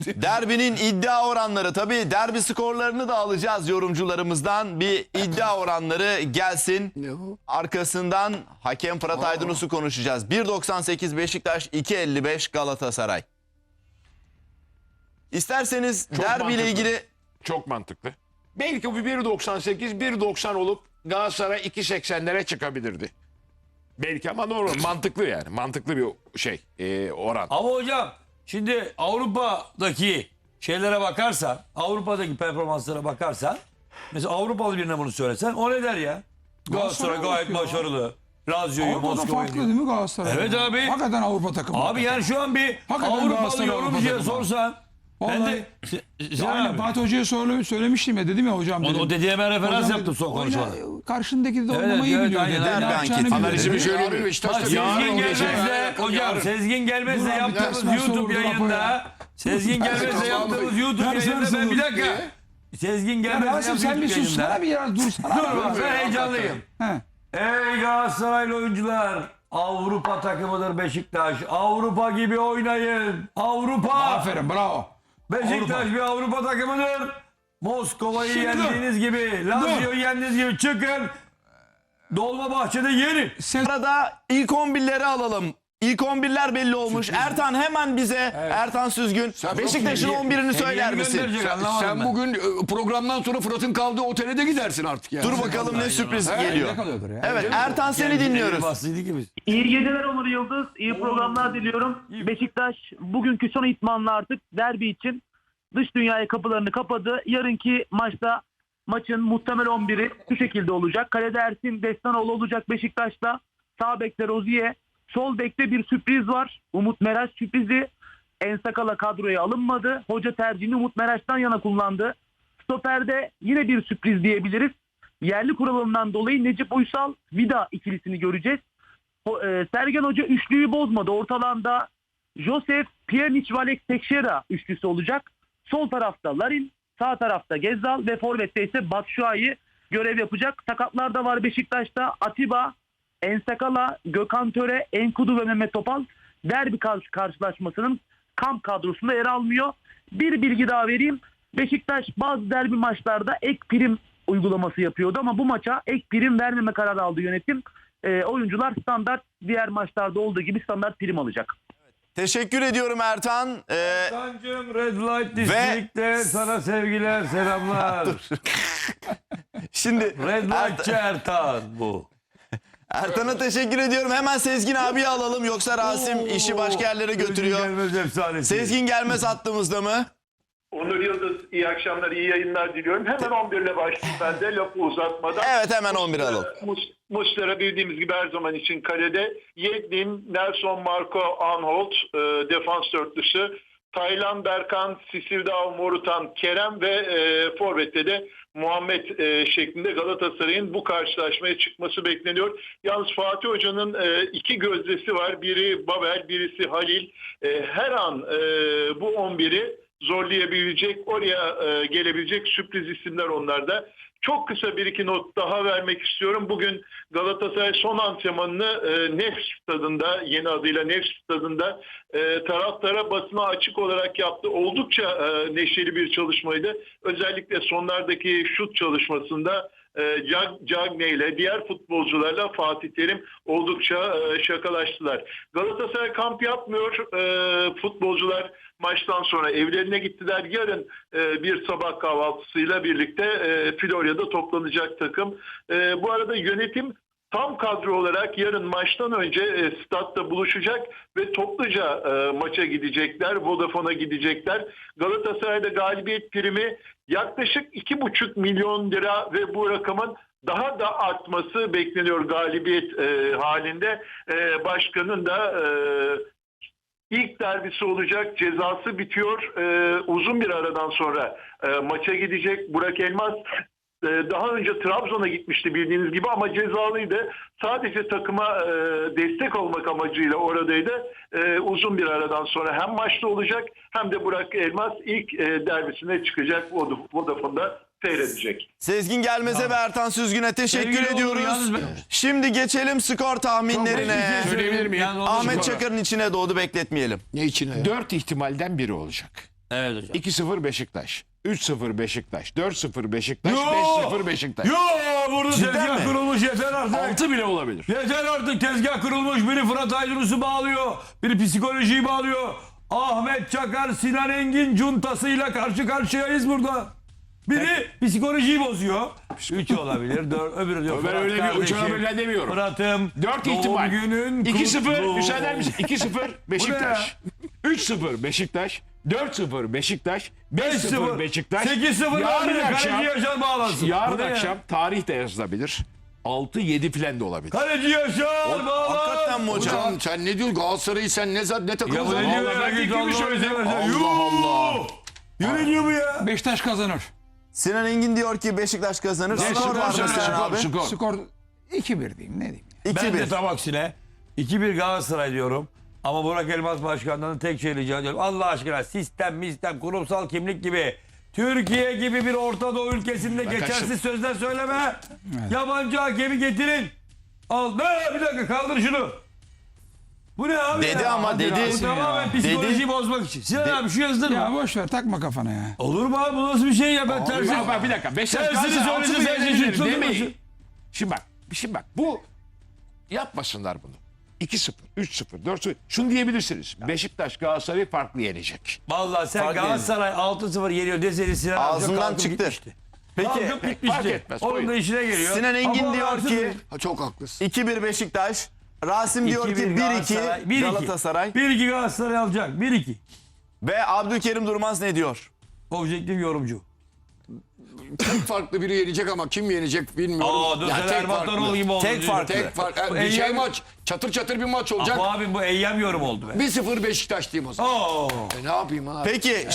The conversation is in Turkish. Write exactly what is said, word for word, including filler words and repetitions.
Derbinin iddia oranları, tabii derbi skorlarını da alacağız yorumcularımızdan. Bir iddia oranları gelsin. Arkasından hakem Fırat Aydınus'u konuşacağız. bir doksan sekiz Beşiktaş, iki elli beş Galatasaray. İsterseniz Çok derbiyle mantıklı. ilgili... Çok mantıklı. Belki bu bir doksan sekiz, bir doksan olup Galatasaray iki seksenlere çıkabilirdi. Belki ama doğru. Mantıklı yani. Mantıklı bir şey. E, oran. Ama hocam şimdi Avrupa'daki şeylere bakarsan, Avrupa'daki performanslara bakarsan, mesela Avrupalı birine bunu söylesen o ne der ya? Galatasaray gayet bakıyor. başarılı. Razio'yu Avrupa'da Moskova'yı farklı diyor. değil mi Galatasaray? Evet abi. Hakikaten Avrupa takımı. Abi yani şu an bir Hakikaten Avrupalı Galatasaray yorumcuya Avrupa takımı. sorsan ben Vallahi- de Se- Sen Aynen abi. Fatih Hoca'ya söyle, söylemiştim ya, dedim ya hocam. O, Dedim. o dediğime ben referans Hocam yaptım son dedim, konuşmada. oyna- Karşındaki de Evet, oynamayı evet, biliyor aynen, dedi. aynen. Ne yapacağını Anketi. biliyor Analizimi dedi. söyleyeyim. Bak, Beşiktaş'ta Sezgin yarın gelmezse olacak. hocam Yarın. Sezgin gelmezse Dur abi, yaptığımız ders YouTube soruldu yayında ya. Sezgin gelmezse yaptığımız YouTube Ders yayında ben soruldu. bir dakika. Sezgin Ya gelmezse Rasim yaptığımız sen bir YouTube sussana yayında. bir ya, dursana. Dur bak ben heyecanlıyım. He. Ey Galatasaraylı oyuncular, Avrupa takımıdır Beşiktaş. Avrupa gibi oynayın. Avrupa. Aferin, bravo. Beşiktaş Avrupa. bir Avrupa takımıdır. Moskova'yı Şimdi dur. yendiğiniz gibi, Lazio'yu yendiğiniz gibi çıkın. Dolmabahçe'de yenin. Ses Arada ilk on birleri alalım. İlk on birler belli olmuş. Ertan hemen bize, Ertan Süzgün, Beşiktaş'ın on birini söyler misin? Gönderecek, anlamadım Sen ben. bugün e, programdan sonra Fırat'ın kaldığı otele de gidersin artık yani. Dur bakalım ne sürpriz geliyor. ne kalıyordur ya? Evet Ertan, seni dinliyoruz. Bastıydı ki biz. İyi geceler Onur Yıldız. İyi programlar diliyorum. Beşiktaş bugünkü son itmanla artık derbi için dış dünyaya kapılarını kapadı. Yarınki maçta maçın muhtemel on biri şu şekilde olacak. Kalede Ersin Destanoğlu olacak Beşiktaş'ta. Sağ bekte Rozier. Sol bekte bir sürpriz var. Umut Meraş sürprizi. Ensakala kadroya alınmadı. Hoca tercihini Umut Meraş'tan yana kullandı. Stoper'de yine bir sürpriz diyebiliriz. Yerli kuralından dolayı Necip Uysal Vida ikilisini göreceğiz. O, e, Sergen Hoca üçlüyü bozmadı. Ortalanda Josef, Pjanic, Alex Teixeira üçlüsü olacak. Sol tarafta Larin, sağ tarafta Gezzal ve forvette ise Batshuayi görev yapacak. Sakatlar da var Beşiktaş'ta. Atiba, Ensakala, Gökhan Töre, Enkudu ve Mehmet Topal derbi karşı karşılaşmasının kamp kadrosunda yer almıyor. Bir bilgi daha vereyim. Beşiktaş bazı derbi maçlarda ek prim uygulaması yapıyordu ama bu maça ek prim vermeme kararı aldı yönetim. E, oyuncular standart diğer maçlarda olduğu gibi standart prim alacak. Teşekkür ediyorum Ertan. Ee, Sancım Red Light District'te sana sevgiler, selamlar. şimdi Red Light'çı Ertan bu. Ertan'a teşekkür ediyorum. Hemen Sezgin abiyi alalım, yoksa Rasim işi başka yerlere götürüyor. Sezgin Gelmez efsanesi. Sezgin Gelmez hattımızda mı? Onur Yıldız, iyi akşamlar, iyi yayınlar diliyorum. Hemen on bir ile başlayayım ben de lafı uzatmadan. Evet, hemen on bir alalım. Mus- Muslera bildiğimiz gibi her zaman için kalede. Yedlin, Nelson, Marco, Anholt, e, defans dörtlüsü. Taylan, Berkan, Sisildao, Morutan, Kerem ve e, forvette de Muhammed e, şeklinde Galatasaray'ın bu karşılaşmaya çıkması bekleniyor. Yalnız Fatih Hoca'nın e, iki gözdesi var. Biri Babel, birisi Halil. E, her an e, bu on biri zorlayabilecek, oraya e, gelebilecek sürpriz isimler onlarda. Çok kısa bir iki not daha vermek istiyorum. Bugün Galatasaray son antrenmanını e, Nefs stadında, yeni adıyla Nefs stadında e, taraftara basına açık olarak yaptı. Oldukça e, neşeli bir çalışmaydı. Özellikle sonlardaki şut çalışmasında e, Cagne ile diğer futbolcularla Fatih Terim oldukça e, şakalaştılar. Galatasaray kamp yapmıyor. E, futbolcular maçtan sonra evlerine gittiler. Yarın e, bir sabah kahvaltısıyla birlikte e, Florya'da toplanacak takım. E, bu arada yönetim tam kadro olarak yarın maçtan önce e, statta buluşacak ve topluca e, maça gidecekler. Vodafone'a gidecekler. Galatasaray'da galibiyet primi yaklaşık iki buçuk milyon lira ve bu rakamın daha da artması bekleniyor galibiyet e, halinde. E, başkanın da e, İlk derbisi olacak. Cezası bitiyor. Ee, uzun bir aradan sonra e, maça gidecek. Burak Elmas e, daha önce Trabzon'a gitmişti bildiğiniz gibi ama cezalıydı. Sadece takıma e, destek olmak amacıyla oradaydı. E, uzun bir aradan sonra hem maçta olacak hem de Burak Elmas ilk e, derbisine çıkacak. Vodafone'da seyredecek. Sezgin Gelmez'e ve Ertan Süzgün'e teşekkür Sevgili Onur, ediyoruz. yalnız ben- Şimdi geçelim skor tahminlerine. Çok Söyleyebilir miyim? Yani onu- Ahmet Çakar'ın içine doğdu, bekletmeyelim. Ne içine ya? Dört ihtimalden biri olacak. Evet hocam. iki sıfır Beşiktaş. üç sıfır Beşiktaş. dört sıfır Beşiktaş. Yo! beş sıfır Beşiktaş. Yo burada Cidden tezgah mi? kurulmuş yeter artık. altı bile olabilir. Yeter artık tezgah kurulmuş. Biri Fırat Aydınus'u bağlıyor. Biri psikolojiyi bağlıyor. Ahmet Çakar, Sinan Engin cuntasıyla karşı karşıyayız burada. Biri psikolojiyi bozuyor. Üç olabilir. Dört, öbürü diyor. Ben Fırat öyle bir kardeşim, uçağa böyle demiyorum. Fırat'ım. dört doğum ihtimal. günün iki sıfır kutlu müsaade eder misin? iki sıfır ya? Beşiktaş. üç sıfır Beşiktaş. dört sıfır Beşiktaş. beş beş sıfır sıfır Beşiktaş. sekiz sıfır Yarın Kaleci akşam, Yaşar bağlansın. yarın Bu ne ya? akşam tarih de yazılabilir. altı yedi falan da olabilir. Kaleci Yaşar bağlan. Hakikaten mi hocam? Hocam sen ne diyorsun Galatasaray'ı sen ne, za- ne Ya takımı bu ne zaman? diyor Vallahi ya? ben Git fikrimi Allah'ını söyledim. seversen. Allah Yuh! Yürü diyor bu ya. Beşiktaş kazanır. Sinan Engin diyor ki Beşiktaş kazanır. Ne, Skor var mı söyle, Sinan skor, abi? skor. Skor iki bir diyeyim ne diyeyim. Ben iki de bir. tam aksine iki bir Galatasaray diyorum. Ama Burak Elmas Başkan'dan tek şey rica ediyorum. Allah aşkına sistem, mistem, kurumsal kimlik gibi Türkiye gibi bir Orta Doğu ülkesinde geçersiz kaçtım. sözler söyleme. Yabancı hakemi getirin. Al. Ne? Bir dakika kaldır şunu. Bu ne abi Dedi ya? ama Hadi dedi. ya. Bu tamamen psikolojiyi bozmak için. Sinan abi şu yazdırma. Ya boş ver takma kafana ya. Olur mu abi bu nasıl bir şey ya ben tersi. Bak, bak, bir dakika. Beşiktaş Tersini Galatasaray altı söylese bir sen yenebilir şaşırtılır demeyin. mısın? Şimdi bak. Şimdi bak. Bu yapmasınlar bunu. iki sıfır, üç sıfır, dört sıfır. Şunu diyebilirsiniz. Beşiktaş Galatasaray'ı farklı yenecek. Vallahi sen Fark Galatasaray altı sıfır yeniyor deseydin Sinan abi Ağzından kalkıp çıktı. gitmişti. Peki Kalkıp fark gitmişti. etmez, Onun buyurun. da işine geliyor. Sinan Engin Ama diyor artık- ki Ha, çok haklısın. iki bir Beşiktaş. Rasim diyor iki ki bir bir iki Galatasaray, bir iki. Galatasaray. bir iki Galatasaray alacak. bir iki. Ve Abdülkerim Durmaz ne diyor? Objektif yorumcu. Tek farklı biri yenecek ama kim yenecek bilmiyorum. Aa dur Ya sen tek Erman farklı. Toroğlu gibi oldu. Tek farklı. Tek farklı. Bu Bir şey Eyyam- maç. Çatır çatır bir maç olacak. Bu abi bu eyyam yorum oldu be. bir sıfır Beşiktaş diyeyim o zaman. Oo. E ne yapayım abi? Peki